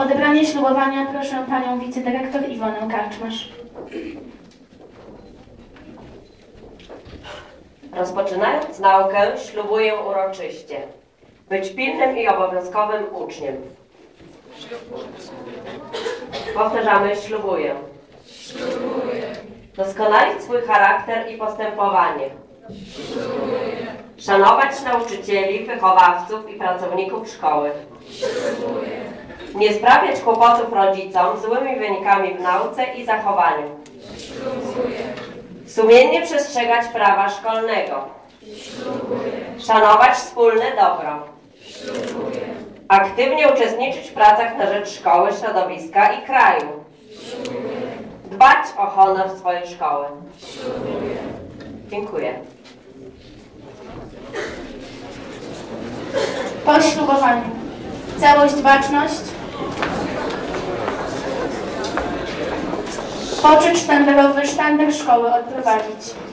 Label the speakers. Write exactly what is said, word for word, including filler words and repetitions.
Speaker 1: odebranie ślubowania proszę panią wicedyrektor Iwonę Karczmarz.
Speaker 2: Rozpoczynając naukę, ślubuję uroczyście być pilnym i obowiązkowym uczniem. Powtarzamy, ślubuję.
Speaker 3: Ślubuję.
Speaker 2: Doskonalić swój charakter i postępowanie.
Speaker 3: Ślubuję.
Speaker 2: Szanować nauczycieli, wychowawców i pracowników szkoły.
Speaker 3: Ślubuję.
Speaker 2: Nie sprawiać kłopotów rodzicom złymi wynikami w nauce i zachowaniu.
Speaker 3: Ślubuję.
Speaker 2: Sumiennie przestrzegać prawa szkolnego.
Speaker 3: Ślubuję.
Speaker 2: Szanować wspólne dobro.
Speaker 3: Ślubuję.
Speaker 2: Aktywnie uczestniczyć w pracach na rzecz szkoły, środowiska i kraju.
Speaker 3: Ślubuję.
Speaker 2: Dbać o honor swojej szkoły.
Speaker 3: Ślubuję.
Speaker 2: Dziękuję.
Speaker 1: Po ślubowaniu. Całość, baczność. Poczet sztandarowy, sztandar szkoły odprowadzić.